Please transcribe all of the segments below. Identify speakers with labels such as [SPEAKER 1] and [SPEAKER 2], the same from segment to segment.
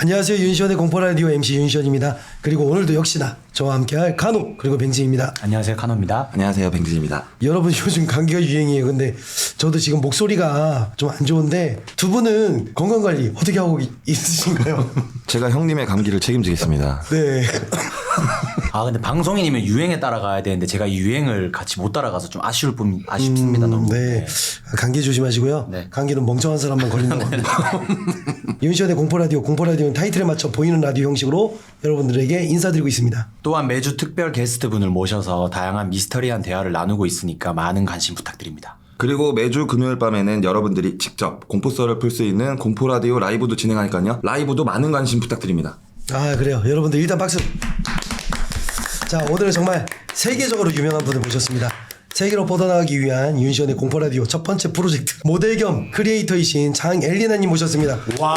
[SPEAKER 1] 안녕하세요. 윤시원의 공포라디오 MC 윤시원입니다. 그리고 오늘도 역시나 저와 함께할 카노 그리고 뱅지입니다.
[SPEAKER 2] 안녕하세요, 카노입니다.
[SPEAKER 3] 안녕하세요, 뱅진입니다.
[SPEAKER 1] 여러분 요즘 감기가 유행이에요. 근데 저도 지금 목소리가 좀 안 좋은데 두 분은 건강관리 어떻게 하고 있으신가요?
[SPEAKER 3] 제가 형님의 감기를 책임지겠습니다.
[SPEAKER 1] 네.
[SPEAKER 2] 아 근데 방송인이면 유행에 따라가야 되는데 제가 이 유행을 같이 못 따라가서 좀 아쉽습니다 너무.
[SPEAKER 1] 네. 감기 조심하시고요.
[SPEAKER 2] 네.
[SPEAKER 1] 감기는 멍청한 사람만 걸린다고 합니다. 윤시원의 공포라디오는 타이틀에 맞춰 보이는 라디오 형식으로 여러분들에게 인사드리고 있습니다.
[SPEAKER 2] 또한 매주 특별 게스트분을 모셔서 다양한 미스터리한 대화를 나누고 있으니까 많은 관심 부탁드립니다.
[SPEAKER 3] 그리고 매주 금요일 밤에는 여러분들이 직접 공포썰을 풀 수 있는 공포라디오 라이브도 진행하니까요. 라이브도 많은 관심 부탁드립니다.
[SPEAKER 1] 아 그래요. 여러분들 일단 박수. 자 오늘은 정말 세계적으로 유명한 분을 모셨습니다. 세계로 뻗어나가기 위한 윤시원의 공포라디오 첫 번째 프로젝트 모델 겸 크리에이터이신 장엘리나님 모셨습니다.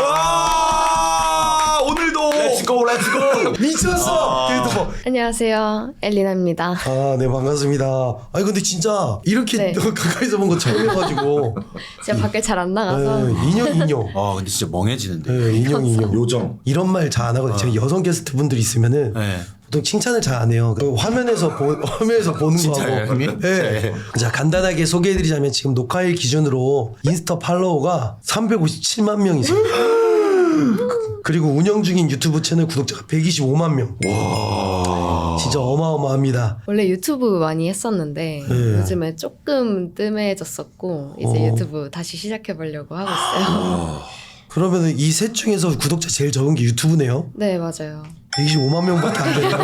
[SPEAKER 3] 와, 오늘도
[SPEAKER 2] 렛츠고
[SPEAKER 1] 미쳤어. 그래도
[SPEAKER 4] 안녕하세요, 엘리나입니다.
[SPEAKER 1] 네 반갑습니다. 아니 근데 진짜 이렇게
[SPEAKER 4] 네.
[SPEAKER 1] 가까이서 본 거 처음이어가지고
[SPEAKER 4] 제가 밖에 잘 안 나가서
[SPEAKER 1] 인형.
[SPEAKER 2] 아 근데 진짜 멍해지는데.
[SPEAKER 1] 네, 인형.
[SPEAKER 3] 요정.
[SPEAKER 1] 이런 말 잘 안 하거든요. 제가 여성 게스트 분들 있으면은
[SPEAKER 2] 네.
[SPEAKER 1] 보통 칭찬을 잘 안 해요. 그 화면에서 보는
[SPEAKER 2] 진짜요,
[SPEAKER 1] 거하고.
[SPEAKER 2] 형님?
[SPEAKER 1] 네.
[SPEAKER 2] 네.
[SPEAKER 1] 자 간단하게 소개해드리자면 지금 녹화일 기준으로 인스타 팔로워가 357만 명이세요. 그리고 운영 중인 유튜브 채널 구독자가 125만 명. 와. 진짜 어마어마합니다.
[SPEAKER 4] 원래 유튜브 많이 했었는데
[SPEAKER 1] 네.
[SPEAKER 4] 요즘에 조금 뜸해졌었고 이제 유튜브 다시 시작해 보려고 하고 있어요.
[SPEAKER 1] 그러면 이 셋 중에서 구독자 제일 적은 게 유튜브네요.
[SPEAKER 4] 네, 맞아요.
[SPEAKER 1] 125만 명밖에 안 되네요.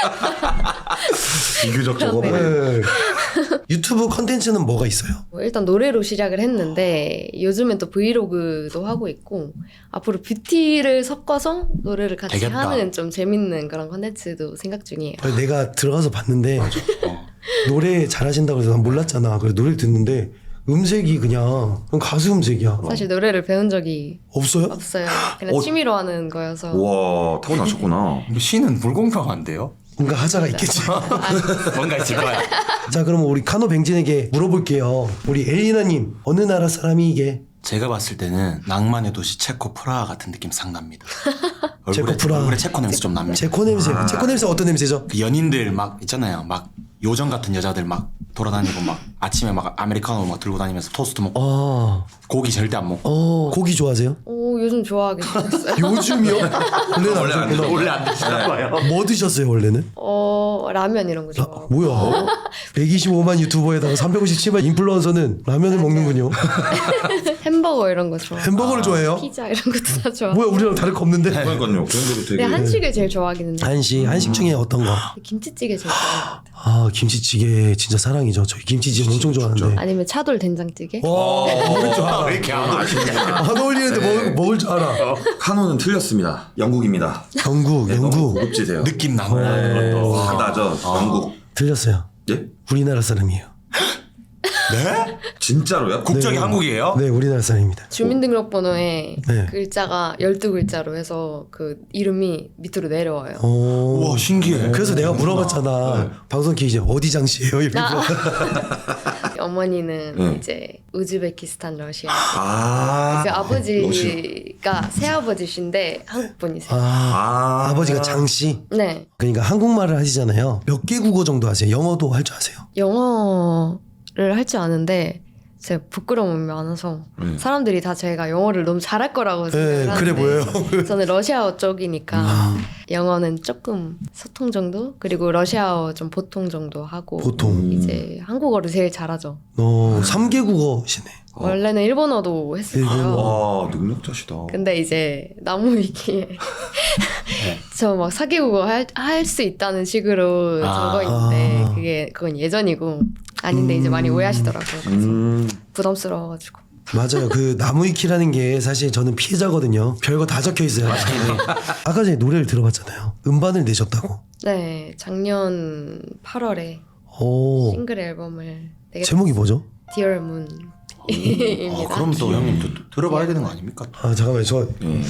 [SPEAKER 3] 비교적 적어 보여.
[SPEAKER 1] 네. 유튜브 컨텐츠는 뭐가 있어요?
[SPEAKER 4] 일단 노래로 시작을 했는데 요즘엔 또 브이로그도 하고 있고 앞으로 뷰티를 섞어서 노래를 같이
[SPEAKER 2] 되겠다.
[SPEAKER 4] 하는 좀 재밌는 그런 컨텐츠도 생각 중이에요.
[SPEAKER 1] 내가 들어가서 봤는데 노래 잘하신다고 해서 난 몰랐잖아. 그래서 노래를 듣는데 음색이 그냥 가수 음색이야.
[SPEAKER 4] 사실 노래를 배운 적이
[SPEAKER 1] 없어요?
[SPEAKER 4] 없어요. 그냥 취미로 하는 거여서.
[SPEAKER 3] 와, 타고나셨구나.
[SPEAKER 2] 시는 불공평한데요?
[SPEAKER 1] 뭔가 하자가 있겠지.
[SPEAKER 2] 뭔가 있을 거야.
[SPEAKER 1] 자 그럼 우리 카노 뱅진에게 물어볼게요. 우리 엘리나님 어느 나라 사람이 이게?
[SPEAKER 2] 제가 봤을 때는 낭만의 도시 체코 프라하 같은 느낌 상 납니다.
[SPEAKER 1] 체코 프라하.
[SPEAKER 2] 얼굴에 체코 냄새 좀 납니다.
[SPEAKER 1] 체코 냄새. 체코 냄새 어떤 냄새죠?
[SPEAKER 2] 그 연인들 막 있잖아요. 막 요정 같은 여자들 막 돌아다니고 막 아침에 막 아메리카노 막 들고 다니면서 토스트 먹고 고기 절대 안 먹고.
[SPEAKER 1] 고기 좋아하세요?
[SPEAKER 4] 오, 요즘 좋아하게 됐어요.
[SPEAKER 1] 요즘이요? 원래는 안 드셨구나.
[SPEAKER 2] 원래 안 드시나 봐요.
[SPEAKER 1] 뭐 드셨어요 원래는?
[SPEAKER 4] 라면 이런 거 좋아하고.
[SPEAKER 1] 뭐야? 125만 유튜버에다가 357만 인플루언서는 라면을 먹는군요.
[SPEAKER 4] 햄버거 이런 거 좋아하고.
[SPEAKER 1] 햄버거를 좋아해요?
[SPEAKER 4] 피자 이런 것도 다 좋아하고.
[SPEAKER 1] 뭐야 우리랑 다를 거 없는데?
[SPEAKER 3] 그러니까요. 그런 데도 되게.
[SPEAKER 4] 근데 한식을 제일 좋아하기는 해요.
[SPEAKER 1] 한식 중에 어떤 거?
[SPEAKER 4] 김치찌개 제일 좋아하는 것 같아요.
[SPEAKER 1] 아 김치찌개 진짜 사랑이죠. 저희 김치찌개 엄청 좋아하는데.
[SPEAKER 4] 아니면 차돌 된장찌개?
[SPEAKER 1] 먹을 줄 알아.
[SPEAKER 2] 왜 이렇게 안 어울리냐.
[SPEAKER 1] 안 어울리는데 먹을 줄 알아.
[SPEAKER 3] 카노는 틀렸습니다. 영국입니다.
[SPEAKER 1] 영국.
[SPEAKER 3] 너무 고급지세요.
[SPEAKER 2] 느낌 나는 것도.
[SPEAKER 3] 바다죠. 영국.
[SPEAKER 1] 틀렸어요.
[SPEAKER 3] 예?
[SPEAKER 1] 우리나라 사람이에요.
[SPEAKER 2] 네?
[SPEAKER 3] 진짜로요?
[SPEAKER 2] 국적이
[SPEAKER 1] 네.
[SPEAKER 2] 한국이에요?
[SPEAKER 1] 네, 우리나라 사람입니다.
[SPEAKER 4] 주민등록번호에
[SPEAKER 1] 네.
[SPEAKER 4] 글자가 12글자로 해서 그 이름이 밑으로 내려와요.
[SPEAKER 2] 우와 신기해.
[SPEAKER 1] 그래서 내가 물어봤잖아. 방송 기이제 어디 장씨예요? 이러고.
[SPEAKER 4] 어머니는
[SPEAKER 3] 네.
[SPEAKER 4] 이제 우즈베키스탄 러시아.
[SPEAKER 3] 아.
[SPEAKER 4] 그 아버지가 새아버지신데 한국 분이세요.
[SPEAKER 1] 아버지가 장씨.
[SPEAKER 4] 네.
[SPEAKER 1] 그러니까 한국말을 하시잖아요. 몇 개 국어 정도 하세요? 영어도 할 줄 아세요?
[SPEAKER 4] 영어를 할 줄 아는데 제가 부끄러움이 많아서 사람들이 다 제가 영어를 너무 잘할 거라고 생각을
[SPEAKER 1] 네,
[SPEAKER 4] 하는데
[SPEAKER 1] 그래 보여요.
[SPEAKER 4] 저는 러시아어 쪽이니까 영어는 조금 소통 정도 그리고 러시아어 좀 보통 정도 하고
[SPEAKER 1] 보통.
[SPEAKER 4] 이제 한국어를 제일 잘하죠.
[SPEAKER 1] 3개 국어시네.
[SPEAKER 4] 원래는 일본어도 했었어요.
[SPEAKER 3] 와, 능력자시다.
[SPEAKER 4] 근데 이제 나무 위키에 저 막 사기국어 할 수 있다는 식으로 적어 있는데 그건 예전이고 아닌데 이제 많이 오해하시더라고요. 그래서 부담스러워가지고.
[SPEAKER 1] 맞아요. 그 나무위키라는 게 사실 저는 피해자거든요. 별거 다 적혀 있어요. 아까 전에 노래를 들어봤잖아요. 음반을 내셨다고.
[SPEAKER 4] 네, 작년 8월에
[SPEAKER 1] 오.
[SPEAKER 4] 싱글 앨범을 내게
[SPEAKER 1] 제목이 뭐죠?
[SPEAKER 4] Dear Moon 입니다.
[SPEAKER 2] 그럼 또 형님 또 들어봐야 되는 거 아닙니까?
[SPEAKER 1] 아 잠깐만요. 저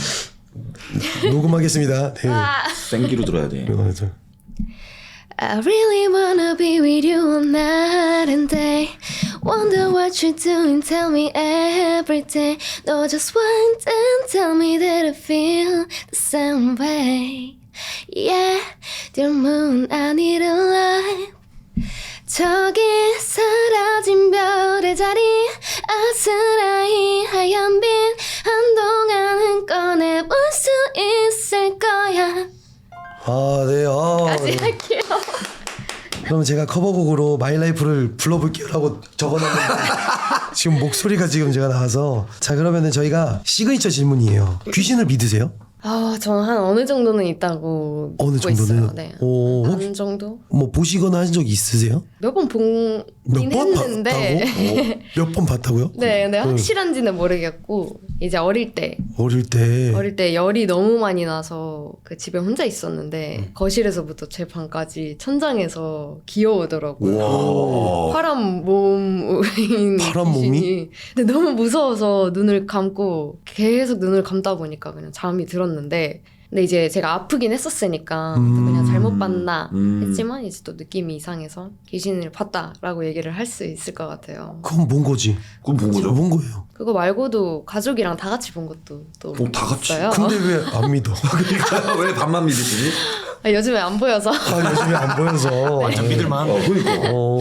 [SPEAKER 1] 녹음하겠습니다. 네.
[SPEAKER 3] 생기로 들어야 돼.
[SPEAKER 4] I really wanna be with you all night and day. Wonder what you're doing, tell me every day. No, just one and tell me that I feel the same way. Yeah, dear moon, I need a light. 저기 사라진 별의 자리 아스라이 하얀 빛 한동안은 꺼내볼 수 있을 거야.
[SPEAKER 1] 아, 네.
[SPEAKER 4] 다시 할게요.
[SPEAKER 1] 그럼 제가 커버곡으로 마이 라이프를 불러볼게요라고 적어놨는데 지금 목소리가 지금 제가 나와서 자 그러면은 저희가 시그니처 질문이에요. 귀신을 믿으세요?
[SPEAKER 4] 저는 한 어느 정도는 있다고
[SPEAKER 1] 어느
[SPEAKER 4] 믿고
[SPEAKER 1] 정도는?
[SPEAKER 4] 있어요. 네.
[SPEAKER 1] 오,
[SPEAKER 4] 어느 정도?
[SPEAKER 1] 뭐 보시거나 하신 적 있으세요?
[SPEAKER 4] 몇 번 보긴
[SPEAKER 1] 몇 번
[SPEAKER 4] 했는데
[SPEAKER 1] 봤다고? 몇 번 봤다고요?
[SPEAKER 4] 네, 근데 확실한지는 모르겠고 이제 어릴 때 열이 너무 많이 나서 그 집에 혼자 있었는데 거실에서부터 제 방까지 천장에서 기어오더라고요.
[SPEAKER 3] 와.
[SPEAKER 4] 파란 몸인
[SPEAKER 1] 파란 몸이?
[SPEAKER 4] 귀신이. 근데 너무 무서워서 눈을 감고 계속 눈을 감다 보니까 그냥 잠이 들었는데 근데 이제 제가 아프긴 했었으니까 그냥 잘못 봤나 했지만 이제 또 느낌이 이상해서 귀신을 봤다라고 얘기를 할 수 있을 것 같아요.
[SPEAKER 1] 그건 뭔 거지?
[SPEAKER 3] 그건 본 거죠?
[SPEAKER 1] 뭔 거예요?
[SPEAKER 4] 그거 말고도 가족이랑 다 같이 본 것도 또
[SPEAKER 3] 다 같이?
[SPEAKER 4] 있어요.
[SPEAKER 1] 근데 왜 안 믿어?
[SPEAKER 3] 왜 반만 믿으시지?
[SPEAKER 4] 요즘에 안 보여서.
[SPEAKER 1] 요즘에 안 보여서.
[SPEAKER 2] 완전 믿을만.
[SPEAKER 3] 그러니까.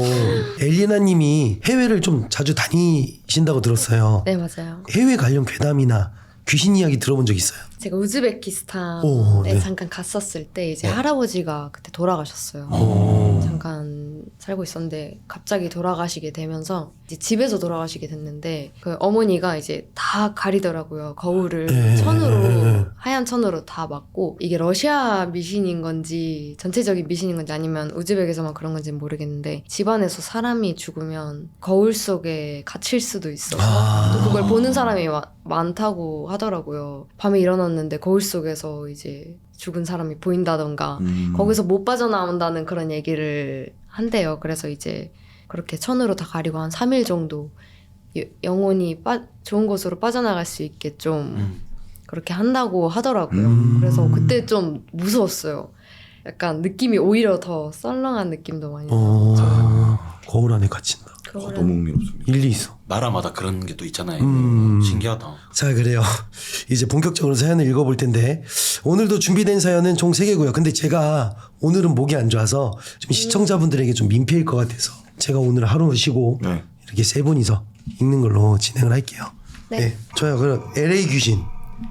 [SPEAKER 1] 엘리나님이 해외를 좀 자주 다니신다고 들었어요.
[SPEAKER 4] 네, 맞아요.
[SPEAKER 1] 해외 관련 괴담이나 귀신 이야기 들어본 적 있어요?
[SPEAKER 4] 제가 우즈베키스탄에
[SPEAKER 1] 네.
[SPEAKER 4] 잠깐 갔었을 때 이제 할아버지가 그때 돌아가셨어요. 잠깐 살고 있었는데 갑자기 돌아가시게 되면서 이제 집에서 돌아가시게 됐는데 그 어머니가 이제 다 가리더라고요. 거울을 천으로 하얀 천으로 다 막고 이게 러시아 미신인 건지 전체적인 미신인 건지 아니면 우즈벡에서만 그런 건지 모르겠는데 집안에서 사람이 죽으면 거울 속에 갇힐 수도 있어서 또 그걸 보는 사람이 많다고 하더라고요. 밤에 일어났는데 거울 속에서 이제 죽은 사람이 보인다던가 거기서 못 빠져나온다는 그런 얘기를 한대요. 그래서 이제 그렇게 천으로 다 가리고 한 3일 정도 영혼이 좋은 곳으로 빠져나갈 수 있게 좀 그렇게 한다고 하더라고요. 그래서 그때 좀 무서웠어요. 약간 느낌이 오히려 더 썰렁한 느낌도 많이 나요.
[SPEAKER 1] 거울 안에 갇힌다.
[SPEAKER 3] 너무 흥미롭습니다.
[SPEAKER 1] 일리 있어.
[SPEAKER 2] 나라마다 그런 게 또 있잖아요. 신기하다.
[SPEAKER 1] 자 그래요. 이제 본격적으로 사연을 읽어볼 텐데 오늘도 준비된 사연은 총 3개고요. 근데 제가 오늘은 목이 안 좋아서 좀 시청자분들에게 좀 민폐일 것 같아서 제가 오늘 하루 쉬고
[SPEAKER 3] 네.
[SPEAKER 1] 이렇게 3분이서 읽는 걸로 진행을 할게요.
[SPEAKER 4] 네.
[SPEAKER 1] 좋아요. 그럼 LA 귀신.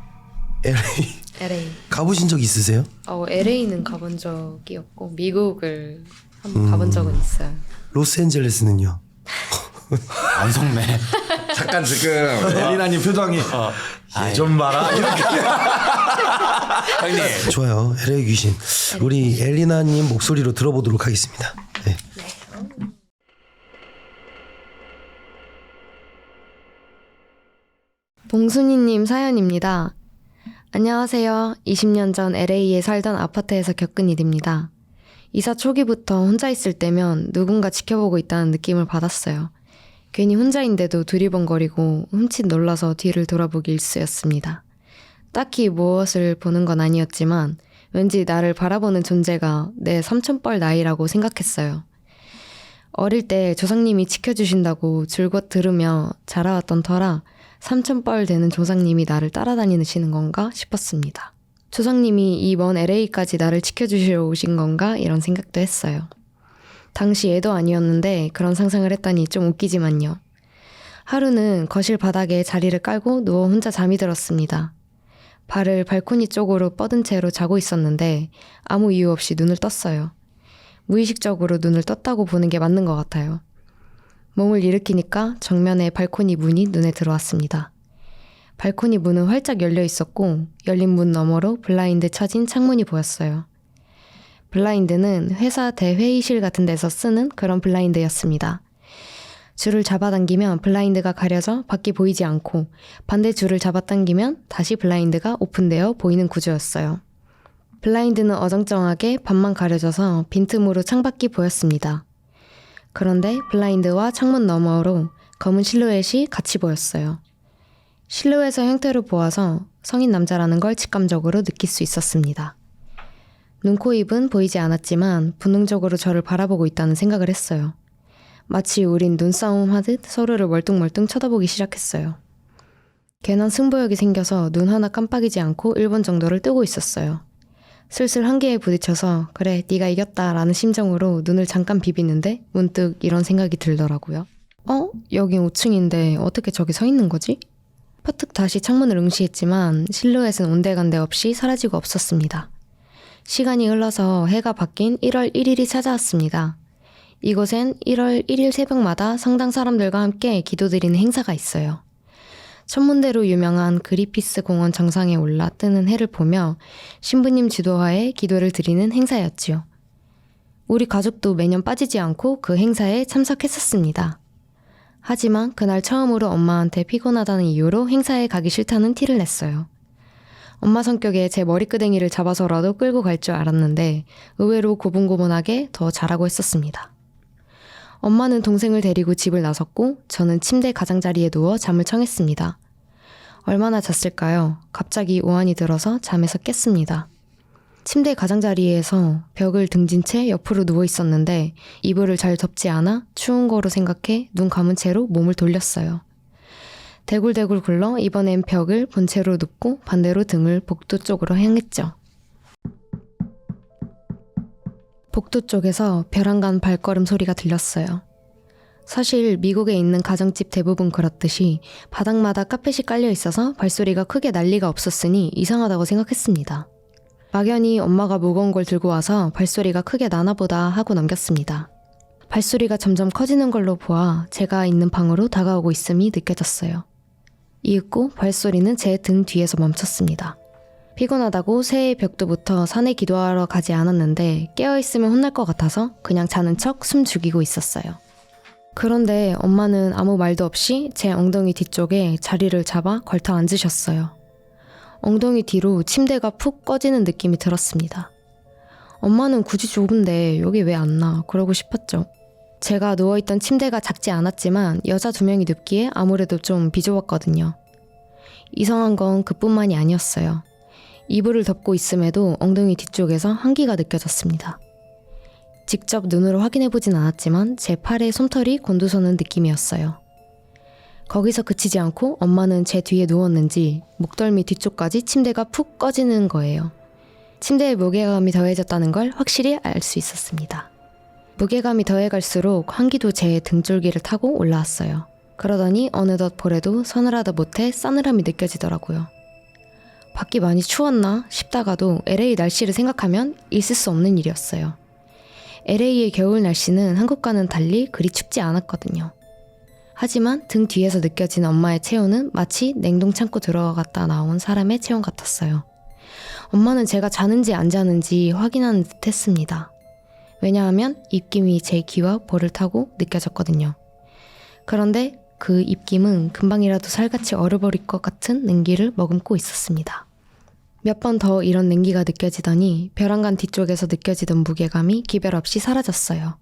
[SPEAKER 4] LA.
[SPEAKER 1] 가보신 적 있으세요?
[SPEAKER 4] LA는 가본 적이 없고 미국을 한번 가본 적은 있어요.
[SPEAKER 1] 로스앤젤레스는요?
[SPEAKER 2] 안 속네.
[SPEAKER 3] 잠깐 지금 엘리나님 표정이 좀 봐라 이렇게.
[SPEAKER 2] 형님.
[SPEAKER 1] 좋아요. LA 귀신. 우리 엘리나님 목소리로 들어보도록 하겠습니다. 네.
[SPEAKER 4] 봉순이님 사연입니다. 안녕하세요. 20년 전 LA에 살던 아파트에서 겪은 일입니다. 이사 초기부터 혼자 있을 때면 누군가 지켜보고 있다는 느낌을 받았어요. 괜히 혼자인데도 두리번거리고 흠칫 놀라서 뒤를 돌아보기 일쑤였습니다. 딱히 무엇을 보는 건 아니었지만 왠지 나를 바라보는 존재가 내 삼촌뻘 나이라고 생각했어요. 어릴 때 조상님이 지켜주신다고 줄곧 들으며 자라왔던 터라 삼촌뻘 되는 조상님이 나를 따라다니시는 건가 싶었습니다. 조상님이 이 먼 LA까지 나를 지켜주시러 오신 건가 이런 생각도 했어요. 당시 애도 아니었는데 그런 상상을 했다니 좀 웃기지만요. 하루는 거실 바닥에 자리를 깔고 누워 혼자 잠이 들었습니다. 발을 발코니 쪽으로 뻗은 채로 자고 있었는데 아무 이유 없이 눈을 떴어요. 무의식적으로 눈을 떴다고 보는 게 맞는 것 같아요. 몸을 일으키니까 정면에 발코니 문이 눈에 들어왔습니다. 발코니 문은 활짝 열려 있었고 열린 문 너머로 블라인드 쳐진 창문이 보였어요. 블라인드는 회사 대회의실 같은 데서 쓰는 그런 블라인드였습니다. 줄을 잡아당기면 블라인드가 가려져 밖이 보이지 않고 반대 줄을 잡아당기면 다시 블라인드가 오픈되어 보이는 구조였어요. 블라인드는 어정쩡하게 반만 가려져서 빈틈으로 창밖이 보였습니다. 그런데 블라인드와 창문 너머로 검은 실루엣이 같이 보였어요. 실루엣의 형태로 보아서 성인 남자라는 걸 직감적으로 느낄 수 있었습니다. 눈, 코, 입은 보이지 않았지만 본능적으로 저를 바라보고 있다는 생각을 했어요. 마치 우린 눈싸움 하듯 서로를 멀뚱멀뚱 쳐다보기 시작했어요. 괜한 승부욕이 생겨서 눈 하나 깜빡이지 않고 1분 정도를 뜨고 있었어요. 슬슬 한계에 부딪혀서 그래 네가 이겼다 라는 심정으로 눈을 잠깐 비비는데 문득 이런 생각이 들더라고요. 여긴 5층인데 어떻게 저기 서 있는 거지? 퍼뜩 다시 창문을 응시했지만 실루엣은 온데간데 없이 사라지고 없었습니다. 시간이 흘러서 해가 바뀐 1월 1일이 찾아왔습니다. 이곳엔 1월 1일 새벽마다 성당 사람들과 함께 기도드리는 행사가 있어요. 천문대로 유명한 그리피스 공원 정상에 올라 뜨는 해를 보며 신부님 지도하에 기도를 드리는 행사였지요. 우리 가족도 매년 빠지지 않고 그 행사에 참석했었습니다. 하지만 그날 처음으로 엄마한테 피곤하다는 이유로 행사에 가기 싫다는 티를 냈어요. 엄마 성격에 제 머리끄댕이를 잡아서라도 끌고 갈 줄 알았는데 의외로 고분고분하게 더 잘하고 했었습니다. 엄마는 동생을 데리고 집을 나섰고 저는 침대 가장자리에 누워 잠을 청했습니다. 얼마나 잤을까요? 갑자기 오한이 들어서 잠에서 깼습니다. 침대 가장자리에서 벽을 등진 채 옆으로 누워 있었는데 이불을 잘 덮지 않아 추운 거로 생각해 눈 감은 채로 몸을 돌렸어요. 대굴대굴 굴러 이번엔 벽을 본체로 눕고 반대로 등을 복도 쪽으로 향했죠. 복도 쪽에서 벼랑간 발걸음 소리가 들렸어요. 사실 미국에 있는 가정집 대부분 그렇듯이 바닥마다 카펫이 깔려 있어서 발소리가 크게 날 리가 없었으니 이상하다고 생각했습니다. 막연히 엄마가 무거운 걸 들고 와서 발소리가 크게 나나 보다 하고 넘겼습니다. 발소리가 점점 커지는 걸로 보아 제가 있는 방으로 다가오고 있음이 느껴졌어요. 이윽고 발소리는 제 등 뒤에서 멈췄습니다. 피곤하다고 새해 벽도부터 산에 기도하러 가지 않았는데 깨어있으면 혼날 것 같아서 그냥 자는 척 숨 죽이고 있었어요. 그런데 엄마는 아무 말도 없이 제 엉덩이 뒤쪽에 자리를 잡아 걸터 앉으셨어요. 엉덩이 뒤로 침대가 푹 꺼지는 느낌이 들었습니다. 엄마는 굳이 좁은데 여기 왜 안 나? 그러고 싶었죠. 제가 누워있던 침대가 작지 않았지만 여자 2명이 눕기에 아무래도 좀 비좁았거든요. 이상한 건 그뿐만이 아니었어요. 이불을 덮고 있음에도 엉덩이 뒤쪽에서 한기가 느껴졌습니다. 직접 눈으로 확인해보진 않았지만 제 팔에 솜털이 곤두서는 느낌이었어요. 거기서 그치지 않고 엄마는 제 뒤에 누웠는지 목덜미 뒤쪽까지 침대가 푹 꺼지는 거예요. 침대에 무게감이 더해졌다는 걸 확실히 알 수 있었습니다. 무게감이 더해갈수록 한기도 제 등줄기를 타고 올라왔어요. 그러더니 어느덧 볼에도 서늘하다 못해 싸늘함이 느껴지더라고요. 밖이 많이 추웠나 싶다가도 LA 날씨를 생각하면 있을 수 없는 일이었어요. LA의 겨울 날씨는 한국과는 달리 그리 춥지 않았거든요. 하지만 등 뒤에서 느껴진 엄마의 체온은 마치 냉동 창고 들어갔다 나온 사람의 체온 같았어요. 엄마는 제가 자는지 안 자는지 확인하는 듯 했습니다. 왜냐하면 입김이 제 귀와 볼을 타고 느껴졌거든요. 그런데 그 입김은 금방이라도 살같이 얼어버릴 것 같은 냉기를 머금고 있었습니다. 몇 번 더 이런 냉기가 느껴지더니 벼랑간 뒤쪽에서 느껴지던 무게감이 기별 없이 사라졌어요.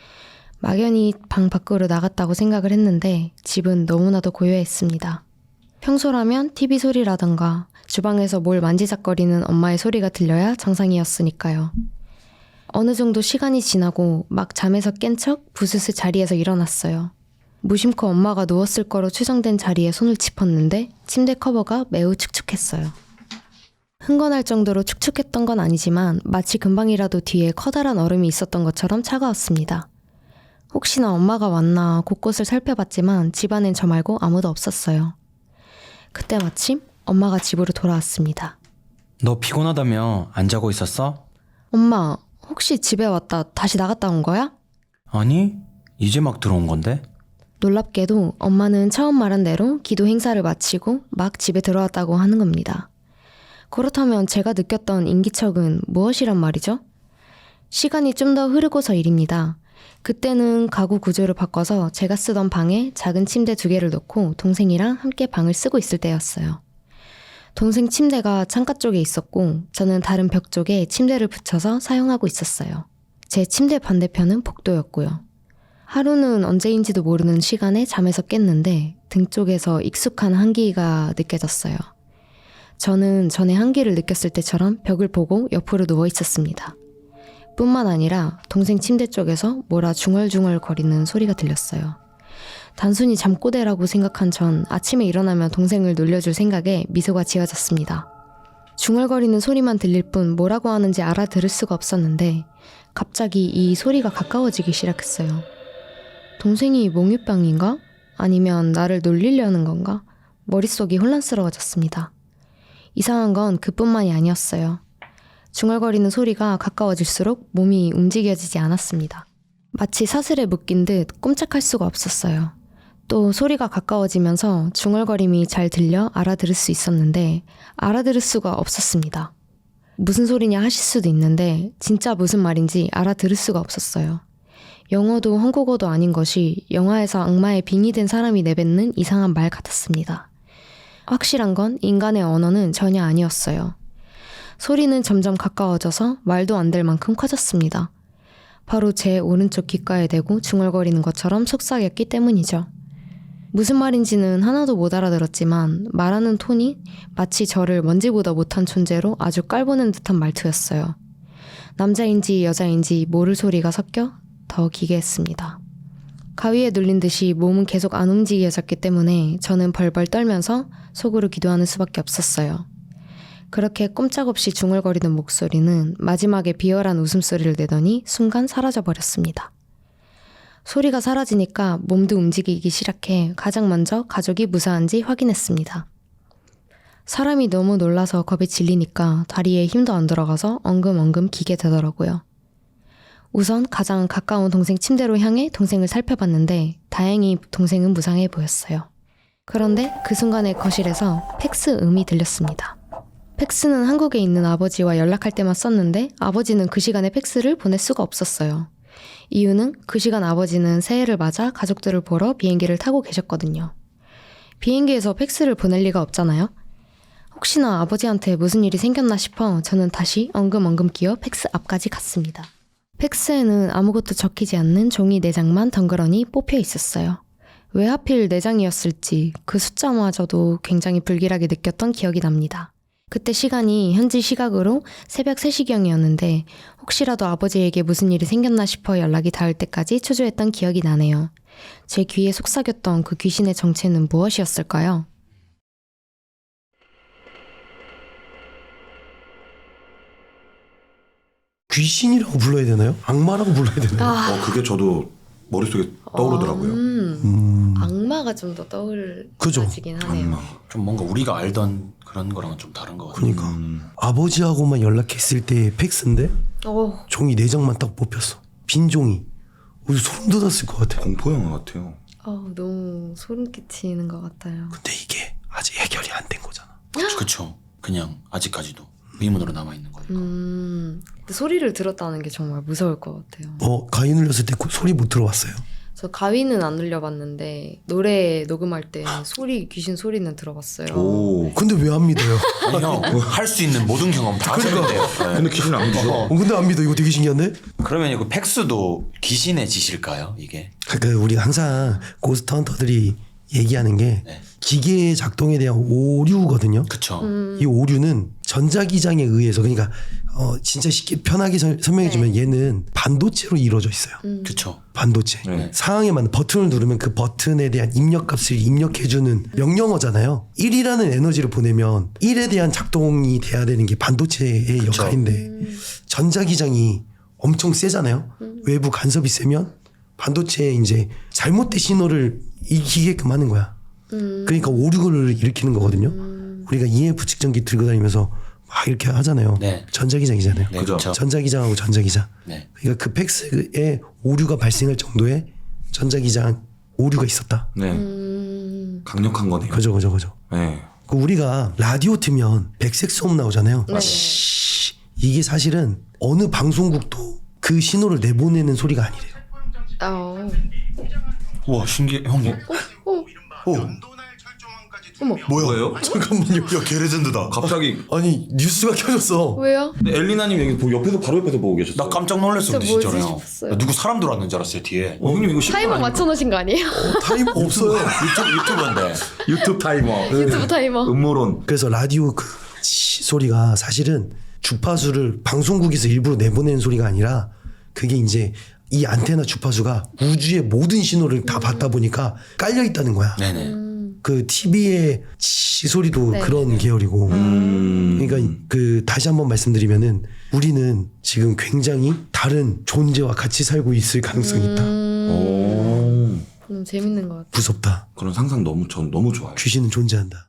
[SPEAKER 4] 막연히 방 밖으로 나갔다고 생각을 했는데 집은 너무나도 고요했습니다. 평소라면 TV 소리라던가 주방에서 뭘 만지작거리는 엄마의 소리가 들려야 정상이었으니까요. 어느 정도 시간이 지나고 막 잠에서 깬 척 부스스 자리에서 일어났어요. 무심코 엄마가 누웠을 거로 추정된 자리에 손을 짚었는데 침대 커버가 매우 축축했어요. 흥건할 정도로 축축했던 건 아니지만 마치 금방이라도 뒤에 커다란 얼음이 있었던 것처럼 차가웠습니다. 혹시나 엄마가 왔나 곳곳을 살펴봤지만 집안엔 저 말고 아무도 없었어요. 그때 마침 엄마가 집으로 돌아왔습니다.
[SPEAKER 2] 너 피곤하다며 안 자고 있었어?
[SPEAKER 4] 엄마, 혹시 집에 왔다 다시 나갔다 온 거야?
[SPEAKER 2] 아니, 이제 막 들어온 건데?
[SPEAKER 4] 놀랍게도 엄마는 처음 말한 대로 기도 행사를 마치고 막 집에 들어왔다고 하는 겁니다. 그렇다면 제가 느꼈던 인기척은 무엇이란 말이죠? 시간이 좀 더 흐르고서 일입니다. 그때는 가구 구조를 바꿔서 제가 쓰던 방에 작은 침대 2개를 놓고 동생이랑 함께 방을 쓰고 있을 때였어요. 동생 침대가 창가 쪽에 있었고 저는 다른 벽 쪽에 침대를 붙여서 사용하고 있었어요. 제 침대 반대편은 복도였고요. 하루는 언제인지도 모르는 시간에 잠에서 깼는데 등 쪽에서 익숙한 한기가 느껴졌어요. 저는 전에 한기를 느꼈을 때처럼 벽을 보고 옆으로 누워 있었습니다. 뿐만 아니라 동생 침대 쪽에서 뭐라 중얼중얼 거리는 소리가 들렸어요. 단순히 잠꼬대라고 생각한 전 아침에 일어나면 동생을 놀려줄 생각에 미소가 지어졌습니다. 중얼거리는 소리만 들릴 뿐 뭐라고 하는지 알아들을 수가 없었는데 갑자기 이 소리가 가까워지기 시작했어요. 동생이 몽유병인가? 아니면 나를 놀리려는 건가? 머릿속이 혼란스러워졌습니다. 이상한 건 그뿐만이 아니었어요. 중얼거리는 소리가 가까워질수록 몸이 움직여지지 않았습니다. 마치 사슬에 묶인 듯 꼼짝할 수가 없었어요. 또 소리가 가까워지면서 중얼거림이 잘 들려 알아들을 수 있었는데 알아들을 수가 없었습니다. 무슨 소리냐 하실 수도 있는데 진짜 무슨 말인지 알아들을 수가 없었어요. 영어도 한국어도 아닌 것이 영화에서 악마의 빙의 된 사람이 내뱉는 이상한 말 같았습니다. 확실한 건 인간의 언어는 전혀 아니었어요. 소리는 점점 가까워져서 말도 안 될 만큼 커졌습니다. 바로 제 오른쪽 귓가에 대고 중얼거리는 것처럼 속삭였기 때문이죠. 무슨 말인지는 하나도 못 알아들었지만 말하는 톤이 마치 저를 먼지보다 못한 존재로 아주 깔보는 듯한 말투였어요. 남자인지 여자인지 모를 소리가 섞여 더 기괴했습니다. 가위에 눌린 듯이 몸은 계속 안 움직여졌기 때문에 저는 벌벌 떨면서 속으로 기도하는 수밖에 없었어요. 그렇게 꼼짝없이 중얼거리던 목소리는 마지막에 비열한 웃음소리를 내더니 순간 사라져버렸습니다. 소리가 사라지니까 몸도 움직이기 시작해 가장 먼저 가족이 무사한지 확인했습니다. 사람이 너무 놀라서 겁에 질리니까 다리에 힘도 안 들어가서 엉금엉금 기게 되더라고요. 우선 가장 가까운 동생 침대로 향해 동생을 살펴봤는데 다행히 동생은 무상해 보였어요. 그런데 그 순간에 거실에서 팩스 음이 들렸습니다. 팩스는 한국에 있는 아버지와 연락할 때만 썼는데 아버지는 그 시간에 팩스를 보낼 수가 없었어요. 이유는 그 시간 아버지는 새해를 맞아 가족들을 보러 비행기를 타고 계셨거든요. 비행기에서 팩스를 보낼 리가 없잖아요. 혹시나 아버지한테 무슨 일이 생겼나 싶어 저는 다시 엉금엉금 끼어 팩스 앞까지 갔습니다. 팩스에는 아무것도 적히지 않는 종이 4장만 덩그러니 뽑혀 있었어요. 왜 하필 4장이었을지 그 숫자마저도 굉장히 불길하게 느꼈던 기억이 납니다. 그때 시간이 현지 시각으로 새벽 3시경이었는데 혹시라도 아버지에게 무슨 일이 생겼나 싶어 연락이 닿을 때까지 초조했던 기억이 나네요. 제 귀에 속삭였던 그 귀신의 정체는 무엇이었을까요?
[SPEAKER 1] 귀신이라고 불러야 되나요? 악마라고 불러야 되나요?
[SPEAKER 3] 그게 저도 머릿속에 떠오르더라고요.
[SPEAKER 4] 악마가 좀 더 떠올라지긴 하네요.
[SPEAKER 3] 악마.
[SPEAKER 2] 좀 뭔가 우리가 알던 그런 거랑은 좀 다른 것 같아요.
[SPEAKER 1] 그러니까 아버지하고만 연락했을 때 팩스인데 종이 4장만 딱 뽑혔어. 빈 종이. 소름 돋았을 것 같아.
[SPEAKER 3] 공포 영화 같아요.
[SPEAKER 4] 너무 소름 끼치는 것 같아요.
[SPEAKER 1] 근데 이게 아직 해결이 안 된 거잖아.
[SPEAKER 2] 그쵸. 그냥 아직까지도 의문으로 남아있는 거니까.
[SPEAKER 4] 근데 소리를 들었다는 게 정말 무서울 것 같아요.
[SPEAKER 1] 가위 눌렸을 때 소리 못 들어봤어요?
[SPEAKER 4] 저 가위는 안 눌려봤는데 노래 녹음할 때 귀신 소리는 들어봤어요.
[SPEAKER 3] 오.
[SPEAKER 1] 근데 왜 안 믿어요?
[SPEAKER 2] 아니 형, 할 수 있는 모든 경험 다 하셨는데요. 네.
[SPEAKER 3] 근데 귀신 안 믿어.
[SPEAKER 1] 근데 안 믿어. 이거 되게 신기한데?
[SPEAKER 2] 그러면 이거 팩스도 귀신의 짓일까요? 이게?
[SPEAKER 1] 그러니까 우리가 항상 고스트 헌터들이 얘기하는 게
[SPEAKER 2] 네.
[SPEAKER 1] 기계의 작동에 대한 오류거든요.
[SPEAKER 2] 그쵸.
[SPEAKER 1] 이 오류는 전자기장에 의해서 그러니까 진짜 쉽게 편하게 설명해주면 얘는 반도체로 이루어져 있어요.
[SPEAKER 2] 그쵸.
[SPEAKER 1] 반도체.
[SPEAKER 3] 네.
[SPEAKER 1] 상황에 맞는 버튼을 누르면 그 버튼에 대한 입력값을 입력해주는 명령어잖아요. 1이라는 에너지를 보내면 1에 대한 작동이 돼야 되는 게 반도체의 역할인데 전자기장이 엄청 세잖아요. 외부 간섭이 세면 반도체에 이제 잘못된 신호를 이기게끔 하는 거야. 그러니까 오류를 일으키는 거거든요. 우리가 EMF 측정기 들고 다니면서 막 이렇게 하잖아요.
[SPEAKER 2] 네.
[SPEAKER 1] 전자기장이잖아요.
[SPEAKER 2] 네, 그쵸.
[SPEAKER 1] 전자기장하고 전자기장.
[SPEAKER 2] 네.
[SPEAKER 1] 그러니까 그 팩스에 오류가 발생할 정도의 전자기장 오류가 있었다.
[SPEAKER 3] 네. 강력한 거네요.
[SPEAKER 1] 그죠.
[SPEAKER 3] 네.
[SPEAKER 1] 그 우리가 라디오 틀면 백색 소음 나오잖아요.
[SPEAKER 4] 네.
[SPEAKER 1] 이게 사실은 어느 방송국도 그 신호를 내보내는 소리가 아니래요.
[SPEAKER 2] 우와 신기해. 형.
[SPEAKER 4] 어머.
[SPEAKER 3] 뭐예요?
[SPEAKER 1] 잠깐만요.
[SPEAKER 2] 야 개레전드다.
[SPEAKER 3] 갑자기
[SPEAKER 1] 아니 뉴스가 켜졌어.
[SPEAKER 4] 왜요?
[SPEAKER 3] 근데 엘리나님 여기 옆에서 바로 옆에서 보고 계셨어요.
[SPEAKER 2] 나 깜짝 놀랐어 근데
[SPEAKER 4] 진짜
[SPEAKER 2] 진짜로
[SPEAKER 4] 뭐지
[SPEAKER 2] 형.
[SPEAKER 4] 싶었어요.
[SPEAKER 2] 나 누구 사람 들어왔는 줄 알았어요 뒤에.
[SPEAKER 3] 형님 이거
[SPEAKER 4] 타이머 맞춰놓으신 거 아니에요?
[SPEAKER 1] 타이머 없어요.
[SPEAKER 2] 유튜브인데.
[SPEAKER 3] 유튜브 타이머.
[SPEAKER 4] 유튜브 타이머.
[SPEAKER 3] 음모론.
[SPEAKER 1] 그래서 라디오 그 소리가 사실은 주파수를 방송국에서 일부러 내보내는 소리가 아니라 그게 이제 이 안테나 주파수가 우주의 모든 신호를 다 받다 보니까 깔려 있다는 거야.
[SPEAKER 2] 네네.
[SPEAKER 1] 그 TV의 지소리도
[SPEAKER 4] 네.
[SPEAKER 1] 그런 계열이고. 그러니까 그 다시 한번 말씀드리면은 우리는 지금 굉장히 다른 존재와 같이 살고 있을 가능성이 있다.
[SPEAKER 3] 오.
[SPEAKER 4] 재밌는 것 같아요.
[SPEAKER 1] 무섭다.
[SPEAKER 3] 그런 상상 전 너무 좋아요.
[SPEAKER 1] 귀신은 존재한다.